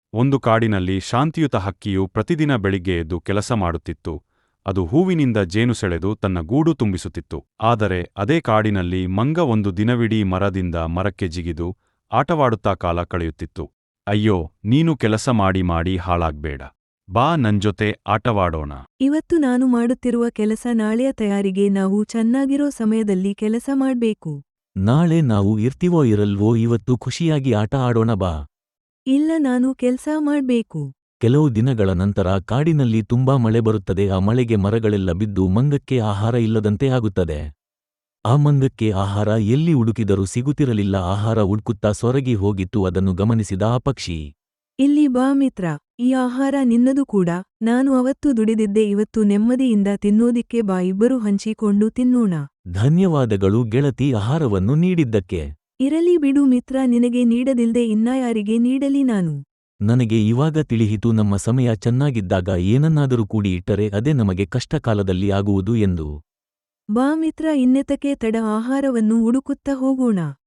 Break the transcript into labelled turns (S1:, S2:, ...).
S1: ಒಂದು ಕಾಡಿನಲ್ಲಿ ಶಾಂತಿಯುತ ಹಕ್ಕಿಯು ಪ್ರತಿದಿನ ಬೆಳಿಗ್ಗೆ ಎದ್ದು ಕೆಲಸ ಮಾಡುತ್ತಿತ್ತು. ಅದು ಹೂವಿನಿಂದ ಜೇನು ಸೆಳೆದು ತನ್ನ ಗೂಡು ತುಂಬಿಸುತ್ತಿತ್ತು. ಆದರೆ ಅದೇ ಕಾಡಿನಲ್ಲಿ ಮಂಗ ಒಂದು ದಿನವಿಡೀ ಮರದಿಂದ ಮರಕ್ಕೆ ಜಿಗಿದು ಆಟವಾಡುತ್ತಾ ಕಾಲ ಕಳೆಯುತ್ತಿತ್ತು. ಅಯ್ಯೋ, ನೀನು ಕೆಲಸ ಮಾಡಿ ಮಾಡಿ ಹಾಳಾಗ್ಬೇಡ. ಬಾ ನನ್ಜೊತೆ ಆಟವಾಡೋಣ.
S2: ಇವತ್ತು ನಾನು ಮಾಡುತ್ತಿರುವ ಕೆಲಸ ನಾಳೆಯ ತಯಾರಿಗೆ ನಾವು ಚೆನ್ನಾಗಿರೋ ಸಮಯದಲ್ಲಿ ಕೆಲಸ ಮಾಡ್ಬೇಕು.
S3: ನಾಳೆ ನಾವು ಇರ್ತೀವೋ ಇರಲ್ವೋ, ಇವತ್ತು ಖುಷಿಯಾಗಿ ಆಟ ಆಡೋಣ ಬಾ.
S2: ಇಲ್ಲ, ನಾನು ಕೆಲ್ಸ ಮಾಡ್ಬೇಕು.
S3: ಕೆಲವು ದಿನಗಳ ನಂತರ ಕಾಡಿನಲ್ಲಿ ತುಂಬಾ ಮಳೆ ಬರುತ್ತದೆ. ಆ ಮಳೆಗೆ ಮರಗಳೆಲ್ಲ ಬಿದ್ದು ಮಂಗಕ್ಕೆ ಆಹಾರ ಇಲ್ಲದಂತೆ ಆಗುತ್ತದೆ. ಆ ಮಂಗಕ್ಕೆ ಆಹಾರ ಎಲ್ಲಿ ಹುಡುಕಿದರೂ ಸಿಗುತ್ತಿರಲಿಲ್ಲ. ಆಹಾರ ಹುಡುಕುತ್ತಾ ಸೊರಗಿ ಹೋಗಿತ್ತು. ಅದನ್ನು ಗಮನಿಸಿದ ಆ ಪಕ್ಷಿ,
S2: ಇಲ್ಲಿ ಬಾ ಮಿತ್ರ, ಈ ಆಹಾರ ನಿನ್ನದು ಕೂಡ. ನಾನು ಅವತ್ತು ದುಡಿದಿದ್ದೆ, ಇವತ್ತು ನೆಮ್ಮದಿಯಿಂದ ತಿನ್ನೋದಿಕ್ಕೆ ಬಾ, ಇಬ್ಬರು ಹಂಚಿಕೊಂಡು ತಿನ್ನೋಣ.
S3: ಧನ್ಯವಾದಗಳು ಗೆಳತಿ ಆಹಾರವನ್ನು ನೀಡಿದ್ದಕ್ಕೆ.
S2: ಇರಲಿ ಬಿಡು ಮಿತ್ರ, ನಿನಗೆ ನೀಡದಿಲ್ದೆ ಇನ್ನಾಯಾರಿಗೆ ನೀಡಲಿ ನಾನು.
S3: ನನಗೆ ಇವಾಗ ತಿಳಿಯಿತು, ನಮ್ಮ ಸಮಯ ಚೆನ್ನಾಗಿದ್ದಾಗ ಏನನ್ನಾದರೂ ಕೂಡಿ ಇಟ್ಟರೆ ಅದೇ ನಮಗೆ ಕಷ್ಟಕಾಲದಲ್ಲಿ ಆಗುವುದು ಎಂದು.
S2: ಬಾ ಮಿತ್ರ, ಇನ್ನೆತಕ್ಕೆ ತಡ, ಆಹಾರವನ್ನು ಹುಡುಕುತ್ತಾ ಹೋಗೋಣ.